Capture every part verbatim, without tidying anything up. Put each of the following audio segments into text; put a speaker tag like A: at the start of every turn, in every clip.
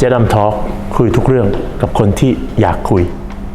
A: จ๊ดำทอล์คคุยทุกเรื่องกับคนที่อยากคุย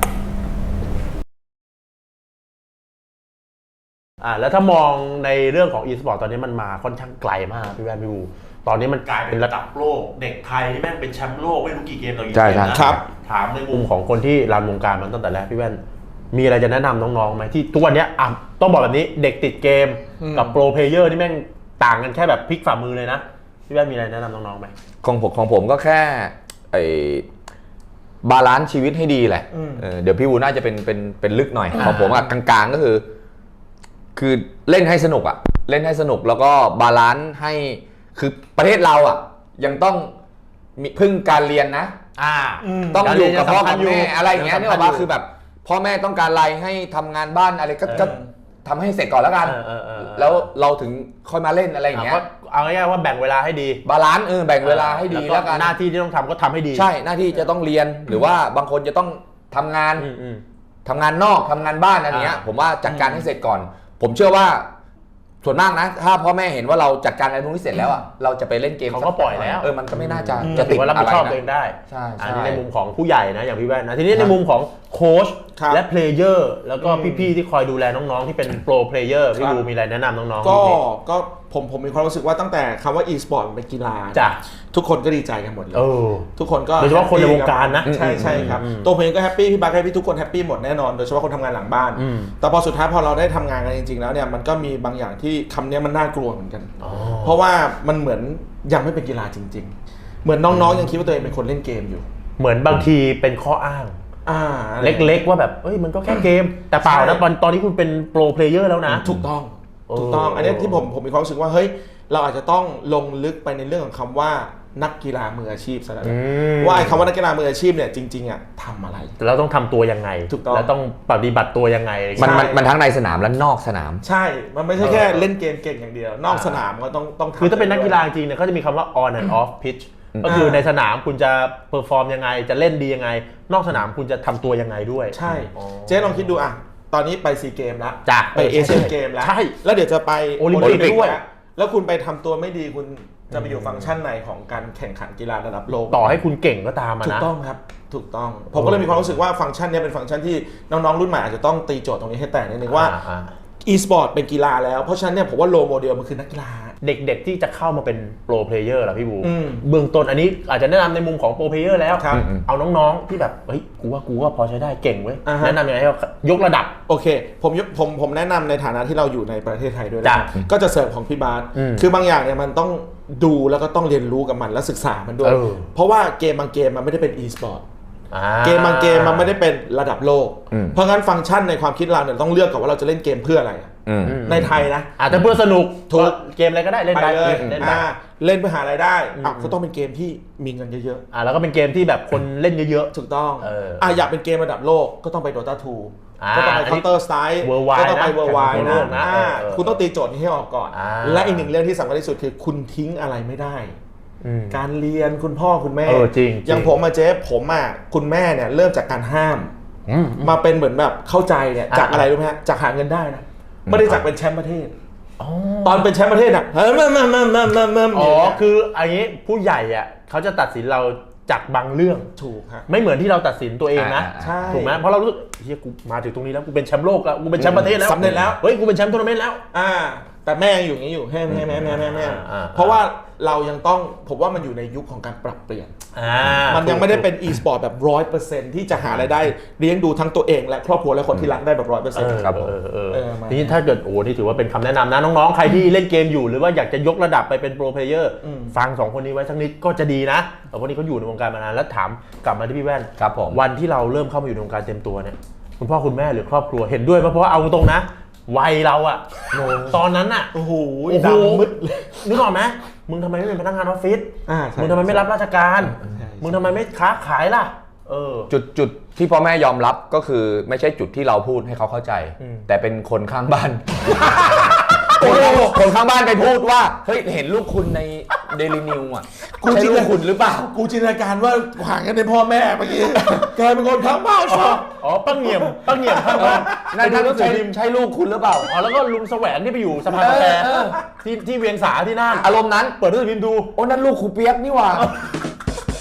A: อ่าแล้วถ้ามองในเรื่องของ e-sport ตอนนี้มันมาค่อนข้างไกลมากพี่แว่นพี่บูตอนนี้มันกลายเป็นระดับโลกเด็กไทยที่แม่งเป็นแชมป์โลกไม่รู้กี่เกมต่อกี่เกมนะครับถามในมุมของคนที่รันวงการมันตั้งแต่แรกพี่แว่นมีอะไรจะแนะนำน้องๆไหมที่ทุกวันนี้อ่ะต้องบอกแบบนี้เด็กติดเกมกับโปรเพลเยอร์ที่แม่งต่างกันแค่แบบพลิกฝ่ามือเลยนะพี่แว่นมีอะไรแนะนำน้องๆไหม
B: ของผมของผมก็แค่ไอ้บาลานซ์ชีวิตให้ดีแหละ เ, เดี๋ยวพี่วูน่าจะเป็นเป็นเป็นลึกหน่อยของผมอะกลางๆก็คือคือเล่นให้สนุกอะเล่นให้สนุกแล้วก็บาลานซ์ให้คือประเทศเราอะยังต้องมีพึ่งการเรียนนะ
A: อ่า
B: ต้องอยู่กับพ่อกับแม่อะไรอย่างเงี้ยนี่บอกว่าคือแบบพ่อแม่ต้องการอะไรให้ทำงานบ้านอะไรก็ทำให้เสร็จก่อนแล้วกันแล้วเราถึงค่อยมาเล่นอะไรอย่างเงี้ย
A: เอาง่ายๆว่าแบ่งเวลาให้ดี
B: บาลานซ์เออแบ่งเวลาให้ดีแล้วกัน
A: หน้าที่ที่ต้องทำก็ทำให้ดี
B: ใช่หน้าที่จะต้องเรียนหรือว่าบางคนจะต้องทำงานทำงานนอกทำงานบ้านอะไรเงี้ยผมว่าจัดการให้เสร็จก่อนผมเชื่อว่าส่วนมากนะถ้าพ่อแม่เห็นว่าเราจัดการอะไรพวกนี้เสร็จแล้วอ่ะเราจะไปเล่นเกม
A: เขาก็ปล่อยแล้ว
B: เออมันก็ไม่น่าจะ
A: จะติดรับผิดชอบตัวเองได้
B: ใช่
A: อันนี้ในมุมของผู้ใหญ่นะอย่างพี่แว่นนะทีนี้ในมุมของโค้ชและเพลเยอร์แล้วก็พี่ๆที่คอยดูแลน้องๆที่เป็นโปรเพลเยอร์พี่บูมีอะไรแนะนำน้องๆ
C: ก็ก็ผมผมมีความรู้สึกว่าตั้งแต่คำว่า e-sport เป็นกีฬา
A: จ้ะ
C: ทุกคนก็ดีใจกันหมดเลยทุกคนก็
A: โดยเฉพาะคนในวงการนะ
C: ใช่ใช่ครับตัวผมเองก็แฮปปี้พี่บัคแฮปปี้ทุกคนแฮปปี้หมดแน่นอนโดยเฉพาะคนทำงานหลังบ้านแต่พอสุดท้ายพอเราได้ทำงานกันจริงๆแล้วเนี่ยมันก็มีบางอย่างที่คำนี้มันน่ากลัวเหมือนกันเพราะว่ามันเหมือนยังไม่เป็นกีฬาจริงๆเหมือนน้องๆยังคิดว่าตัวเองเป็นคนเล่นเกมอยู่
A: เหมือนบางทีเป็นข้ออ้างเล็กๆว่าแบบเอ้ยมันก็แค่เกมแต่เปล่านะตอนตอนนี้คุณเป็นโปรเพลเยอร์แล้วนะ
C: ถูกต้องถูกต้องอันนี้ที่ผมผมมีความรู้สึกว่าเฮ้ยเราอาจจะต้องลงลึกไปในเรื่องของคำว่านักกีฬามืออาชีพซะแล้วว่าไอ้คำว่านักกีฬามืออาชีพเนี่ยจริงๆอ่ะทำอะไร
A: เราต้องทำตัวยังไงแล้วต้องปฏิบัติตัวยังไง
B: มันมันทั้งในสนามและนอกสนาม
C: ใช่มันไม่ใช่แค่เล่นเกมเก่งอย่างเดียวนอกสนามก็ต้องต้อง
A: คือถ้าเป็นนักกีฬาจริงเนี่ยเขาจะมีคำว่า on and off pitch ก็คือในสนามคุณจะเพอร์ฟอร์มยังไงจะเล่นดียังไงนอกสนามคุณจะทำตัวยังไงด้วย
C: ใช่เจ๊ลองคิดดูอ่ะตอนนี้ไปซีเกมแล้วไปเอเชียนเกมแล้ว
A: ใช่
C: แล้วเดี๋ยวจะไป
A: โอลิมปิกด้วย
C: แล้วคุณไปทำตัวไม่ดีคุณจะไปอยู่ฟังก์ชันไหนของการแข่งขันกีฬาระดับโลก
A: ต่อให้คุณเก่งก็ตามนะ
C: ถูกต้องครับถูกต้องผมก็เลยมีความรู้สึกว่าฟังก์ชันนี้เป็นฟังก์ชันที่น้องๆรุ่นใหม่อาจจะต้องตีโจทย์ตรงนี้ให้แตกนิดนึงว่า e-sport เป็นกีฬาแล้วเพราะฉะนั้นเนี่ยผมว่าโลโมเดลมันคือนักกีฬา
A: เด็กๆที่จะเข้ามาเป็นโปรเพลเยอร์ล่ะพี่บูเบื้องต้นอันนี้อาจจะแนะนำในมุมของโปรเพลเยอร์แล้วเอาน้องๆที่แบบเฮ้ยกูว่ากูว่าพอใช้ได้เก่งเว้ยแนะนำยังไงให้ยกระดับ
C: โอเคผมผมผมแนะนำในฐานะที่เราอยู่ในประเทศไทยด้วยนะก็จะเสริมของพี่บาสคือบางอย่างเนี่ยมันต้องดูแล้วก็ต้องเรียนรู้กับมันและศึกษามันด้วยเพราะว่าเกมบางเกมมันไม่ได้เป็น e-sport เกมบางเกมมันไม่ได้เป็นระดับโลกเพราะงั้นฟังก์ชันในความคิดเราเนี่ยต้องเลือกก่อนว่าเราจะเล่นเกมเพื่ออะไรในไทยนะ
A: อาจจะเพื่อสนุกถูกเกมอะไรก็ได้เล่นได้
C: เลยเล่นได้เล่นเพื่อหารายได้อ่ะก็ต้องเป็นเกมที่มีเงินเยอะ
A: ๆอ่ะแล้วก็เป็นเกมที่แบบคนเล่นเยอะ
C: ๆถูกต้องอ่ะอยากเป็นเกมระดับโลกก็ต้องไป Dota ทูก็ต้องไป Counter Strike ก็ต้องไป Worldwide นะคุณต้องตีโจทย์นี้ให้ออกก่อนและอีกหนึ่งเรื่องที่สำคัญที่สุดคือคุณทิ้งอะไรไม่ได้การเรียนคุณพ่อคุณแม่อย่างผมมาเจ๊ผมอ่ะคุณแม่เนี่ยเริ่มจากการห้ามมาเป็นเหมือนแบบเข้าใจเนี่ยจากอะไรรู้ไหมฮะจากหาเงินได้นะไม่ได้จากเป็นแชมป์ประเทศตอนเป็นแชมป์ประเทศอ่ะเฮ้ยมามามามามามา
A: อ๋อคืออันนี้ผู้ใหญ่อ่ะเขาจะตัดสินเราจากบางเรื่อง
C: ถูกฮะ
A: ไม่เหมือนที่เราตัดสินตัวเองนะถูกไหมเพราะเรารู้สึกเฮียกูมาถึงตรงนี้แล้วกูเป็นแชมป์โลกแล้วกูเป็นแชมป์ประเทศแล้ว
C: สำเร็จแล้ว
A: เฮ้ยกูเป็นแชมป์ทัวร์นาเมนต์แล้ว
C: อ่าแต่แม่ยังอยู่อย่างนี้อยู่แม่แม่แม่แม่แม่แม่เพราะว่าเรายังต้องผมว่ามันอยู่ในยุคของการปรับเปลี่ยนมันยังไม่ได้เป็น e-sport แบบ ร้อยเปอร์เซ็นต์ ที่จะหารายได้เลี้ยงดูทั้งตัวเองและครอบครัวและคนที่รักได้แบบ ร้อยเปอร์เซ็นต์
A: ครับทีนี้ถ้าเกิดโอ้นี่ถือว่าเป็นคำแนะนำนะน้องๆใครที่เล่นเกมอยู่หรือว่าอยากจะยกระดับไปเป็นโปรเพลเยอร์ฟังสองคนนี้ไว้สักนิดก็จะดีนะเพราะคนนี้เขาอยู่ในวงการมานานแล้วถามกลับมาที่พี่แว่นวันที่เราเริ่มเข้ามาอยู่ในวงการเต็มตัวเนี่ยคุณพ่อคุณแม่หรือครอบครัวเห็นด้วยเพราะว่าเอาตรงนะวัยเราอะตอนนั้นอะ
C: โอ้โหดำมืด
A: นึกออกไหมมึงทำไมไม่เป็นพนักงานออฟฟิศมึงทำไมไม่รับราชการมึงทำไมไม่ค้าขายล่ะเออ
B: จุดจุดที่พ่อแม่ยอมรับก็คือไม่ใช่จุดที่เราพูดให้เขาเข้าใจแต่เป็นคนข้างบ้านคนข้างบ้านไปพูดว่าเฮ้ยเห็นลูกคุณในเดลินิวอ่ะ
C: กูจินตนาคุณหรือเปล่ากูจินตนาการว่าห่างกันในพ่อแม่เมื่อกี้กลายเป็นคนข้างบ้าน
A: อ๋ออ๋อป้าเงี่ยมป้าเงี่ยมข้างบ้าน
B: ในทางก็ใช่ใช่ลูกคุณหรือเปล่า
A: อ๋อแล้วก็ลุงแสวงที่ไปอยู่สะพานกาแฟที่ที่เวียงสาที่นั่น
B: อารมณ์นั้น
A: เปิดหนังสือพิมพ์ดู
B: โอ้นั่นลูกครูเปียกนี่หว่า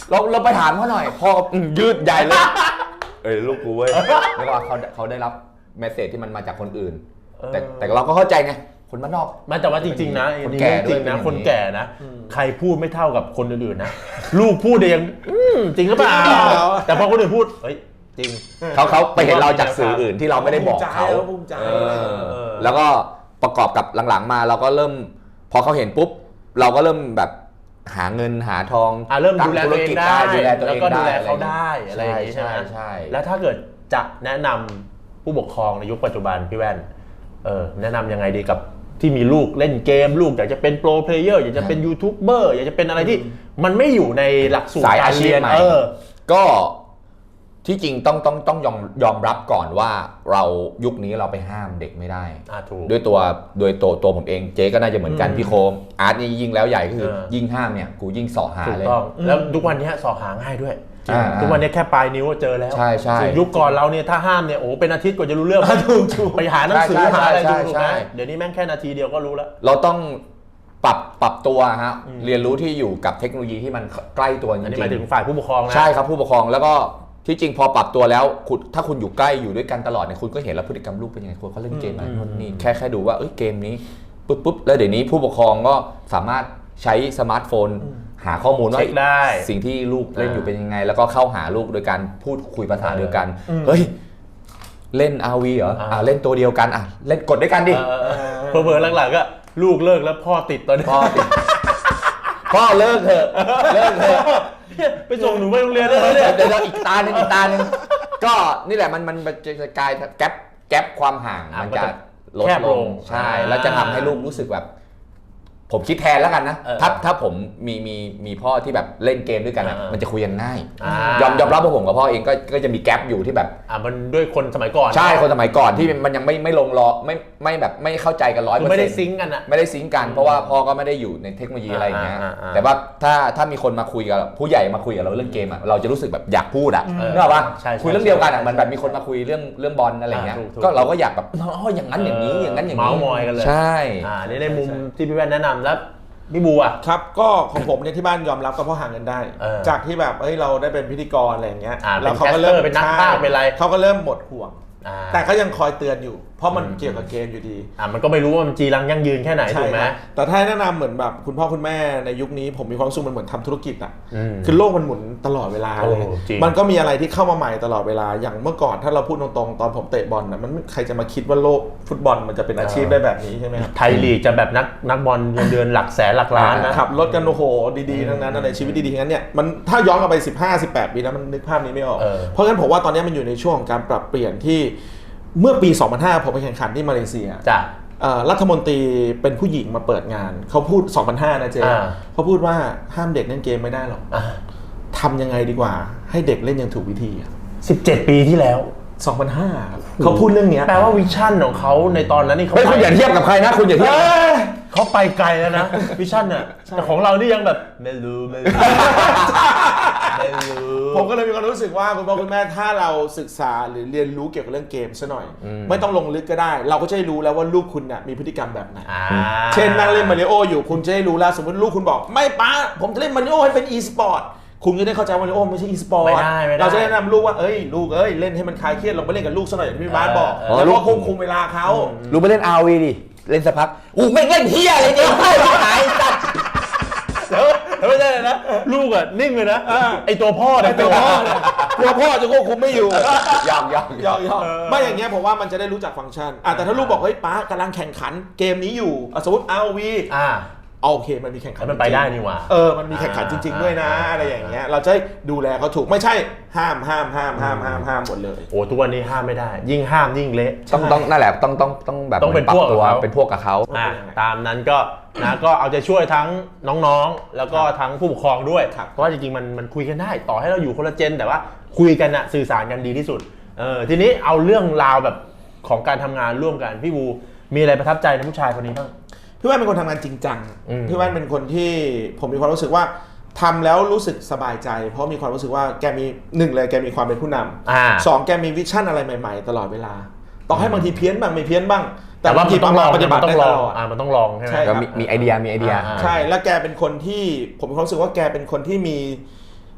B: เราเราไปถามเขาหน่อยพ่ออืมยืดใหญ่เลยเอ้ยลูกกูเว้ยแล้วก็เขาเขาได้รับเมสเสจที่มันมาจากคนอื่น แต่แต่เราก็เข้าใจไงคนบ้านนอก
A: มันแต่ว่าจริงๆนะ
B: คนแก่ด้วย
A: จริงนะคนแก่นะใครพูดไม่เท่ากับคนอื่นๆนะลูกพูดเองจริงหรือเปล่าแต่พอคนอื่นพูดเฮ้ยจริง
B: เขาเขาไปเห็นเราจากสื่ออื่นที่เราไม่ได้บอกเขาแล้วก็ประกอบกับหลังๆมาเราก็เริ่มพอเขาเห็นปุ๊บเราก็เริ่มแบบหาเงินหาทอง
A: เริ่มดูแลตัวเองได้
B: ดูแลตัวเอง
A: แล้วก็ดูแลเขาได้อะไรอย่างนี้ใช่ไหม
B: ใช่
A: แล้วถ้าเกิดจะแนะนำผู้ปกครองในยุคปัจจุบันพี่แว่นเออแนะนำยังไงดีกับที่มีลูกเล่นเกมลูกอยากจะเป็นโปรเพลเยอร์อยากจะเป็นยูทูบเบอร์อยากจะเป็นอะไรที่มันไม่อยู่ในหลักสูตรการเรียนเออ
B: ก็ที่จริงต้องต้องต้องยอมยอมรับก่อนว่าเรายุคนี้เราไปห้ามเด็กไม่ได้ด้วยตัวโดยตัวตัวผมเองเจ๊ก็น่าจะเหมือนกันพี่โคมอาร์ตนี่ยิ่งแล้วใหญ่ก็คือยิ่งห้ามเนี่ยกูยิ่งสอหาเลย
A: แล้วทุกวันนี้สอหาง่ายด้วยทุกวันนี้แค่ปลายนิ้วก็เจอแล้ว
B: ใช่ใช่
A: ยุคก่อนเราเนี่ยถ้าห้ามเนี่ยโอ้เป็นอาทิตย์กว่าจะรู้เรื่องไปหาหนังสือหาอะไรดูถูกไหมเดี๋ยวนี้แม่งแค่นาทีเดียวก็รู้แล้ว
B: เราต้องปรับปรับตัวฮะเรียนรู้ที่อยู่กับเทคโนโลยีที่มันใกล้ตัวจริงๆอันนี้
A: หมายถึงฝ่ายผู้ปกครองนะ
B: ใช่ครับผู้ปกครองแล้วก็ที่จริงพอปรับตัวแล้วคุณถ้าคุณอยู่ใกล้อยู่ด้วยกันตลอดเนี่ยคุณก็เห็นแล้วพฤติกรรมลูกเป็นยังไงคนเขาเล่นเกมอะไรนู่นนี่แค่แค่ดูว่าเอ้ยเกมนี้ปุ๊บปุ๊บแล้วเดี๋ยวนี้ผู้ปกครองก็สามารถใช้สมาร์ทโฟนหาข้อมูลว่าสิ่งที่ลูกเล่นอยู่เป็นยังไงแล้วก็เข้าหาลูกโดยการพูดคุยภาษาเดียวกันเฮ้ยเล่น อาร์ วี เหรออ่าเล่นตัวเดียวกันอ่ะเล่นกดด้วยกันดิ
A: เผลอๆหลังๆก็ลูกเลิกแล้วพ่อติดตอนนี้
B: พ่อติดพ่อเลิกเถอะเลิกเถอะ
A: ไปส่งหนูไปโรงเรียนแล้วเนี่ย
B: เดี๋ยวอีกตาหนึ่งอีกตาหนึ่งก็นี่แหละมันมันจะกลายแก๊ปแก๊ปความห่างมันจะลดลงใช่แล้วจะทำให้ลูกรู้สึกแบบผมคิดแทนแล้วกันนะถ้าถ้าผมมีมีมีพ่อที่แบบเล่นเกมด้วยกันมันจะคุยกันง่ายยอมยอมรับว่าผมกับพ่อเองก็ก็จะมีแกลบอยู่ที่แบบ
A: อ่ามันด้วยคนสมัยก่อน
B: ใช่คนสมัยก่อนที่มันยังไม่ไม่ลงรอไม่ไม่แบบไม่เข้าใจกันร้อยเปอร์เซ็นต์
A: ไม่ได้ซิงกันอ่ะ
B: ไม่ได้ซิงกันเพราะว่าพ่อก็ไม่ได้อยู่ในเทคโนโลยีอะไรอย่างเงี้ยแต่ว่าถ้าถ้ามีคนมาคุยกับผู้ใหญ่มาคุยกับเราเรื่องเกมอ่ะเราจะรู้สึกแบบอยากพูดอ่ะนึกออกปะคุยเรื่องเดียวกันอ่ะมันแบบมีคนมาคุยเรื่องเรื่องบอลอะไรเงี้ยก็เราก็อยากแบบอ๋ออย่างนั้นอย่างนี้อย่างนั้นอย่างนี้
A: เมาส์มอยกันเลย
B: ใช่
A: อ่านี่ในมุมที่พี่แว่นแนะนำแล้วพี่บัว
C: ครับก็ของผมเนี่ยที่บ้านยอมรับก็เพราะหาเงินได้จากที่แบบเอ้ยเราได้เป็นพิธีกรอะไรอย่างเงี้ย
A: แล้วเขาก็เริ่มเป็นนักพากย์เป็นอะไร
C: เขาก็เริ่มหมดห่วงแต่ก็ยังคอยเตือนอยู่เพราะมันเกี่ยวกับเกมอยู่ดี
A: อ่ามันก็ไม่รู้ว่ามันจีรังยั่งยืนแค่ไหนถูกไหม
C: แต่ถ้าแนะนำเหมือนแบบคุณพ่อคุณแม่ในยุคนี้ผมมีความรู้สึกมันเหมือนทำธุรกิจอ่ะคือโลกมันหมุนตลอดเวลาเลยมันก็มีอะไรที่เข้ามาใหม่ตลอดเวลาอย่างเมื่อก่อนถ้าเราพูดตรงๆตอนผมเตะบอลนะมันใครจะมาคิดว่าโลกฟุตบอลมันจะเป็นอาชีพได้แบบนี้ใช่ไหมครับ
A: ไทยลีกจะแบบนักนักบอลเงินเดือนหลักแสนหลักล้านนะ
C: ขับรถกันโอ้โหดีๆทั้งนั้นอะไรชีวิตดีๆทั้งนั้นเนี่ยมันถ้าย้อนกลับไปสิบห้า สิบแปดปีแล้วมันนึกภาพนี้ไม่ออกเพราะงั้นผมว่าตอนนี้มันอยู่ในช่วงของการปรับเปลี่ยนที่เมื่อปี สองพันห้า ผมไปแข่งขันที่มาเลเซีย
A: จ้ะ
C: รัฐมนตรีเป็นผู้หญิงมาเปิดงานเขาพูด สองพันห้า นะเจ๊เขาพูดว่าห้ามเด็กเล่นเกมไม่ได้หรอกทำยังไงดีกว่าให้เด็กเล่นอย่างถูกวิธี
A: สิบเจ็ดปีที่แล้ว
C: สองพันห้า เขาพูดเรื่องนี้
A: แปลว่าวิชั่นของเขาในตอนนั้นนี่เขา
B: ไม่คุณอย่าเทียบกับใครนะคุณอย่าเทียบ
A: เขาไปไกลแล้วนะวิชั่นเนี่ยแต่ของเรานี่ยังแบบไม่รู้ไม่รู้
C: ผมก็เลยมีความรู้สึกว่าคุณพ่อคุณแม่ถ้าเราศึกษาหรือเรียนรู้เกี่ยวกับเรื่องเกมซะหน่อยไม่ต้องลงลึกก็ได้เราก็จะได้รู้แล้วว่าลูกคุณน่ะมีพฤติกรรมแบบไหนเช่นนั่งเล่นมาริโออยู่คุณจะได้รู้แล้วสมมติลูกคุณบอกไม่ป้าผมจะเล่นมาริโอให้เป็นอีสปอร์ตคุณจะได้เข้าใจว่ามาริโอไม่ใช่อีสปอร์ตเราจะแนะนำลูกว่าเอ้ยลูกเอ้ยเล่นให้มันคลายเครียดลงไปเล่นกับลูกซะหน่อยอย่างที่พี่บาสบอกแล้วก็ควบคุมเวลาเขา
B: ลูกไปเล่น อาร์ วี ดิเล่นสักพักอู้ไม่เล่นเฮียอะไรเนี่ยให้หายสัตว์
A: แล้วไม่ใช่เลยนะลูกอ่ะนิ่งเลยนะไอตัวพ่อเนี่ย
C: ตัวพ่อเนี่ยตัวพ่อจะควบคุมไม่อยู่
B: ยอมยอม
C: ยอมยอมไม่อย่างเงี้ยผมว่ามันจะได้รู้จักฟังก์ชันแต่ถ้าลูกบอกเฮ้ยป้ากำลังแข่งขันเกมนี้อยู่สมมติ อาร์ วี อ่าโอเคมันมีแข่งขัน
A: มันไปได้นี่หว่า
C: เออมันมีแข่งขันจริงๆด้วยนะอะไรอย่างเงี้ยเราจะดูแลเขาถูกไม่ใช่ห้ามห้ามห้ามห้ามห้ามห้ามหมดเลย
A: โอ้ทุกวันนี้ห้ามไม่ได้ยิ่งห้ามยิ่งเละ
B: ต้องต้องนั่นแหละต้องต้องต้องแบบ
A: ต้องเป็นพวก
B: ตัวเป็นพวกกับเขา
A: ตามนั้นก็นะก็เอาใจช่วยทั้งน้องๆแล้วก็ทั้งผู้ปกครองด้วยเพราะว่าจริงๆมันมันคุยกันได้ต่อให้เราอยู่คนละเจนแต่ว่าคุยกันอะสื่อสารกันดีที่สุดเออทีนี้เอาเรื่องราวแบบของการทำงานร่วมกันพี่บูมีอะไรประทับใจในผู้ชายคนนี้บ้าง
C: พี่แว่นเป็นคนทำงานจริงจังพี่แว่นเป็นคนที่ผมมีความรู้สึกว่าทำแล้วรู้สึกสบายใจเพราะมีความรู้สึกว่าแกมีหนึ่งเลยแกมีความเป็นผู้นำสองแกมีวิชั่นอะไรใหม่ๆตลอดเวลาต่อให้บางทีเพี้ยนบ้างไม่เพี้ยนบ้าง
A: แต่ว่ามันต้องลองปฏิบัติได้ตลอดอ่ามันต้องลองใช่ไหม
B: มีมีไอเดียมีไอเดีย
C: ใช่แล้วแกเป็นคนที่ผมมีความรู้สึกว่าแกเป็นคนที่มี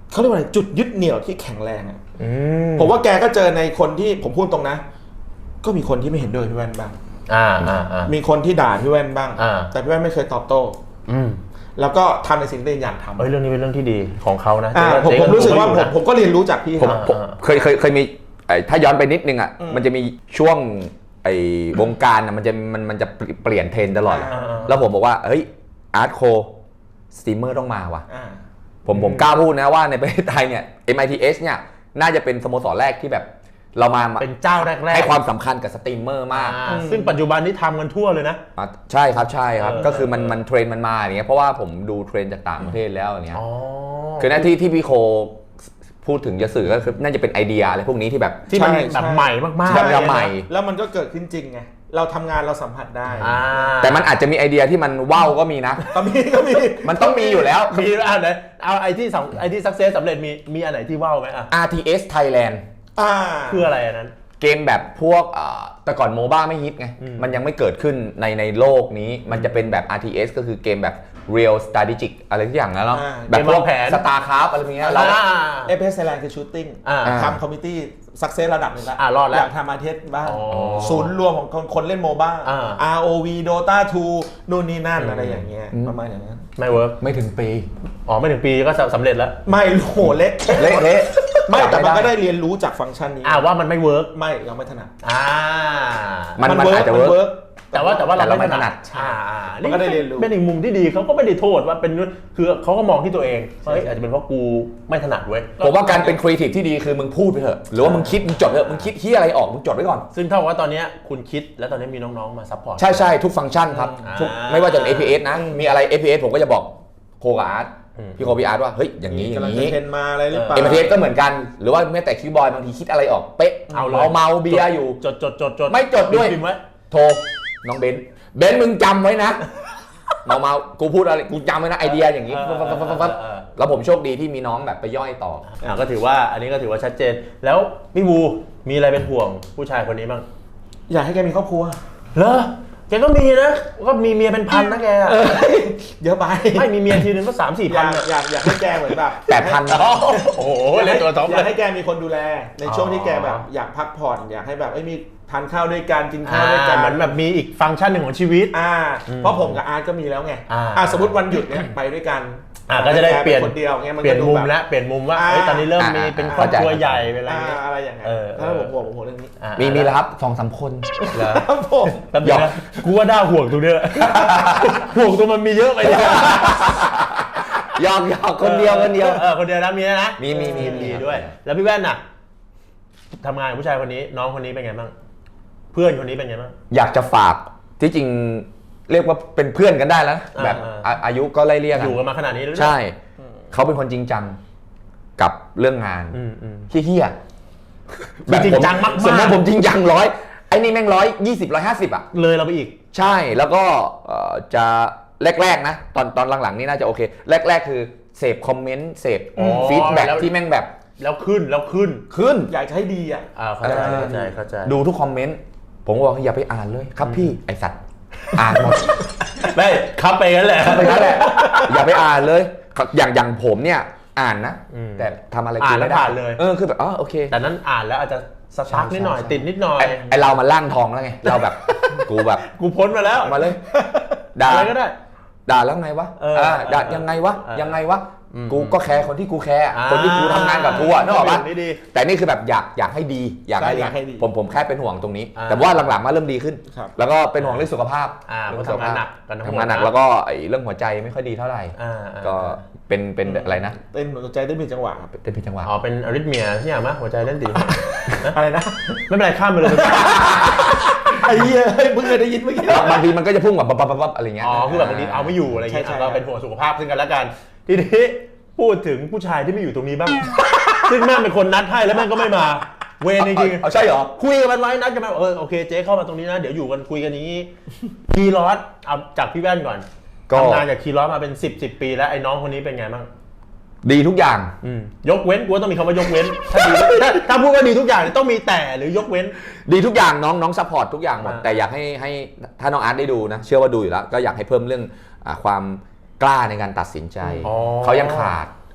C: เขาเรียกว่าอะไรจุดยึดเหนี่ยวที่แข็งแรงอ่ะผมว่าแกก็เจอในคนที่ผมพูดตรงนะก็มีคนที่ไม่เห็นด้วยพี่แว่นบ้าง
A: อ่าอ่าอ่า
C: มีคนที่ด่าพี่แว่นบ้าง
A: อ่า
C: แต่พี่แว่นไม่เคยตอบโต้
A: อืม
C: แล้วก็ทำในสิ่งที่อยากทำ
A: เฮ้ยเรื่องนี้เป็นเรื่องที่ดีของเขานะ
C: ผมผมรู้สึกว่าผมผมก็เรียนรู้จากพี่
B: ผมเคยเคยเคยมีถ้าย้อนไปนิดนึงอ่ะมันจะมีช่วงไอ้วงการอ่ะมันจะมันมันจะเปลี่ยนเทรนตลอดแล้วผมบอกว่าเฮ้ยอาร์ตโคสตรีมเมอร์ต้องมาว่ะผมผมกล้าพูดนะว่าในประเทศไทยเนี่ย เอ็ม ไอ ที เอส เนี่ยน่าจะเป็นสโมสรแรกที่แบบเรามา
A: เป็นเจ้าแรกๆ
B: ให้ความสำคัญกับสตรีมเมอร์มาก
A: ซึ่งปัจจุบันนี้ทำกันทั่วเลยนะ
B: ใช่ครับใช่ครับก็คือมันมันเทรนมันมาอย่างเงี้ยเพราะว่าผมดูเทรนจากต่างประเทศแล้วอย่างเงี้ยคือหน้าที่ที่พี่โคพูดถึงจะสื่อก็คือน่าจะเป็นไอเดียอะไรพวกนี้ที่แบบ
A: ที่มันแบบใหม่มากๆ
B: แบบใหม่
C: แล้วมันก็เกิดขึ้นจริงไงเราทำงานเราสัมผัสได้
B: แต่มันอาจจะมีไอเดียที่มันว้าวก็มีนะ
C: ก็มีก็มี
B: มันต้องมีอยู่แล้ว
A: มีอ่ะไหนเอาไอที่ไอที่สักเซสสำเร็จมีมีอันไหนที่ว้าวไหมอ่ะ
B: อาร์ ที เอส Thailand
C: อ่า
A: คืออะไรอันนั้น
B: เกมแบบพวกแต่ก่อนโมบ้าไม่ฮิตไงมันยังไม่เกิดขึ้นในในโลกนี้มันจะเป็นแบบ อาร์ ที เอส ก็คือเกมแบบ real strategic อะไรทุกอย่างแล้วเนาะแบบพวก StarCraft อะไรอย่างเงี้ยเรา
C: เอ พี เอส Thailand คือ shooting ทำ community success ระดับหนึ่งแล้วอยากทำอาร์ ที เอส บ้างศูนย์รวมของคนเล่นโมบ้า อาร์ โอ วี Dota ทูนู่นนี่นั่นอะไรอย่างเงี้ยประมาณอย่างนั้น
A: ไม่เวิร์ก
B: ไม่ถึงปี
A: อ๋อไม่ถึงปีก็สำเร็จแล้ว
C: ไม่โหเละ
B: เละเละ
C: ไม่แต่มันก็ได้เรียนรู้จากฟังก์ชันนี้
A: อ่าว่ามันไม่เวิร์ก
C: ไม่ยังไม่ถนัด
A: อ่า
B: มันมันอาจจะเวิร์ก
A: แต่ว่าแต่ว่าเราไม่ถนัด
C: อ่านี่ก็ได้เรียนรู้
A: เป็นอีกมุมที่ดีเขาก็ไม่ได้โทษว่าเป็นคือเขาก็มองที่ตัวเองเฮ้ยอาจจะเป็นเพราะกูไม่ถนัดเว้ย
B: ผมว่าการเป็นครีเอทีฟที่ดีคือมึงพูดไปเถอะหรือว่ามึงคิดมึงจดเถอะมึงคิดที่อะไรออกมึงจดไว้ก่อน
A: ซึ่งเท่ากับว่าตอนนี้คุณคิดแล้วตอนนี้มีน้องๆมาซัพพอร์ต
B: ใช่ใช่ทุกฟังก์ชันครับไม่ว่าจะเป็น เอ พี เอส นะมีอะไร เอ พี เอส ผมก็จะบอกโคกับอาร์ตพี่โคพี่อาร์ตว่าเฮ้ยอย่างนี้อย่างนี้
C: เทรนมาอะไรหรือเปล่า
B: เอ็ม ที เอส ก็เหมือนกันหรือว่าแม้แต่คิวบอยบางทีคิดอะไรออกเป๊ะ
A: เอา
B: เมาเบียร์อยู่
A: จดจดจดจด
B: ไม่จดด้วยโทรน้องเบนเบนมึงจำไว้นะเมาเมากูพูดอะไรกูจำไว้นะไอเดียอย่างนี้แล้วผมโชคดีที่มีน้องแบบไปย่อยต่อ
A: อ่าก็ถือว่าอันนี้ก็ถือว่าชัดเจนแล้วพี่บูมีอะไรเป็นห่วงผู้ชายคนนี้บ้าง
C: อยากให้แกมีครอบครัว
A: เหรอแกก็มีนะก็มีเมียเป็นพันนะแก
C: เยอะไป
A: ไม่มีเมียทีนึงก็สามสี่พัน
C: อยากอยากให้แกเหมือนแบบ
B: แปดพัน
A: โอ้โหเล่นตัวท็อป
C: อยากให้แกมีคนดูแลในช่วงที่แกแบบอยากพักผ่อนอยากให้แบบไม่มีทานข้าวด้วยกันกินข้าวด้วยกัน
A: เหมือนแบบมีอีกฟังก์ชันหนึ่งของชีวิต
C: อ่าเพราะผมกับอาร์ตก็มีแล้วไงอ่าสมมติวันหยุดเนี่ยไปด้วยกัน
A: อ่าก็จะได้เปลี่ยน
C: คนเดียวเงี้ยมัน
A: เปลี่ยนมุมแล้วเปลี่ยนมุมว่าเฮ้ยตอนนี้เริ่มมีเป็นครอบครัวใหญ่เป็นอะไร
C: อะไรอย่างเงี้ยถ้าผมห่วงผมห่วงเรื่องนี้
B: มีมีแล้วครับสองสามคน
A: เหรอผมแป๊บนึงนะกูว่าน่าห่วงตรงนี้ห่วงตรงมันมีเยอะไปเนี่ย
B: ยอกยอกคนเดียวคนเดียว
A: เออคนเดียวนะมีนะ
B: มีมีมี
A: มีด้วยแล้วพี่แว่นน่ะทำงานกับผู้ชายคนนี้น้องคนนี้เป็นไงบ้างเพื่อนคนนี้เป็นไงบ้าง
B: อยากจะฝากที่จริงเรียกว่าเป็นเพื่อนกันได้แล้วแบบอายุก็ไล่เรียก
A: อยู่กันมาขนาดนี้
B: ใช่เขาเป็นคนจริงจังกับเรื่องงานเฮี้ย
A: แบบจริงจังมากๆ
B: สมมติผมจริงจังร้อยไอ้นี่แม่งร้อยยี่สิบร้อยห้าสิบอ่ะ
A: เลยเราไปอีก
B: ใช่แล้วก็จะแรกๆนะตอนตอนหลังๆนี่น่าจะโอเคแรกๆคือเสพคอมเมนต์เสพฟีดแบ็กที่แม่งแบบ
A: แล้วขึ้นแล้วขึ้น
B: ขึ้น
C: อยากจะให้ดีอ่ะ
A: เข้าใจเข้าใจเข้าใจ
B: ดูทุกคอมเมนต์ผมบอกอย่าไปอ่านเลยครับพี่ไอสัตว์อ่านหมด
A: ไม่ครับไปงั้นแหละ
B: ครับไปงั้นแหละอย่าไปอ่านเลยอย่างอย่างผมเนี่ยอ่านนะแต่ทำอะไร
A: อ่านแล้วผ่านเลย
B: เออคือแบบอ๋อโอเค
A: แต่นั้นอ่านแล้วอาจจะสตาร์ทนิดหน่อยติดนิดหน่อย
B: ไอเรามาล่างทองแล้วไงเราแบบกูแบบ
A: กูพ้นมาแล้ว
B: มาเลยด่า
A: อะไรก็ได้
B: ด่าแล้วไงวะด่ายังไงวะยังไงวะกูก็แคร์คนที่กูแคร์คนที่กูทำงานกับกูอะนึกออกปะแต่นี่คือแบบอยากอยากให้ดีอยากให้ดีผมผมแค่เป็นห่วงตรงนี้แต่ว่าหลังๆมาเริ่มดีขึ้นแล้วก็เป็นห่วงเรื่องสุขภาพ
A: เรื่องสุขภาพ
B: ทำงานหนักแล้วก็ไอ้เรื่องหัวใจไม่ค่อยดีเท่าไหร่ก็เป็นเป็นอะไรนะ
C: เต้นหัวใจเต้นผิดจังหวะ
B: เต้นผิดจังหวะ
A: อ๋อเป็นอะริทเมียใช่ไหมหัวใจเต้นผิด
C: อะไรนะ
A: ไม่เป็นไรข้ามไปเลย
C: ไอ้เหี้ยเพิ่งเคยได้ยินเมื่อกี้
B: บางทีมันก็จะพุ่งแบบปั๊บปั๊บปั๊บอะไรเงี้ย
A: อ๋อคือแบบบางทีเอาไม่อยู่อะไรเงี้ยก็เป็นห่วงสุขภาพซึ่งกันและกันทีนี้พูดถึงผู้ชายที่ไม่อยู่ตรงนี้บ้างซึ่งแม่เป็นคนนัดให้แล้วแม่ก็ไม่มาเวรจริง
B: ๆเอาใช่เหรอ
A: คุยกันไว้นัดกันมาเออโอเคเจ๊เข้ามาตรงนี้นะเดี๋ยวอยู่กันคุยกันอย่างนี้คีรอสเอาจากพี่แว่นก่อนทำงานจากคีรอสมาเป็นสิบสิบปีแล้วไอ้น้องคนนี้เป็นไงบ้าง
B: ดีทุกอย่าง
A: ยกเว้นกูต้องมีคำว่ายกเว้นถ้าดีถ้าพูดว่าดีทุกอย่างต้องมีแต่หรือยกเว้น
B: ดีทุกอย่างน้องน้องซัพพอร์ตทุกอย่างหมดแต่อยากให้ให้ถ้าน้องอาร์ตได้ดูนะเชื่อว่าดูอยู่แล้วก็อยากให้เพิ่มเรื่องความกล้าในการตัดสินใจเขายังขาด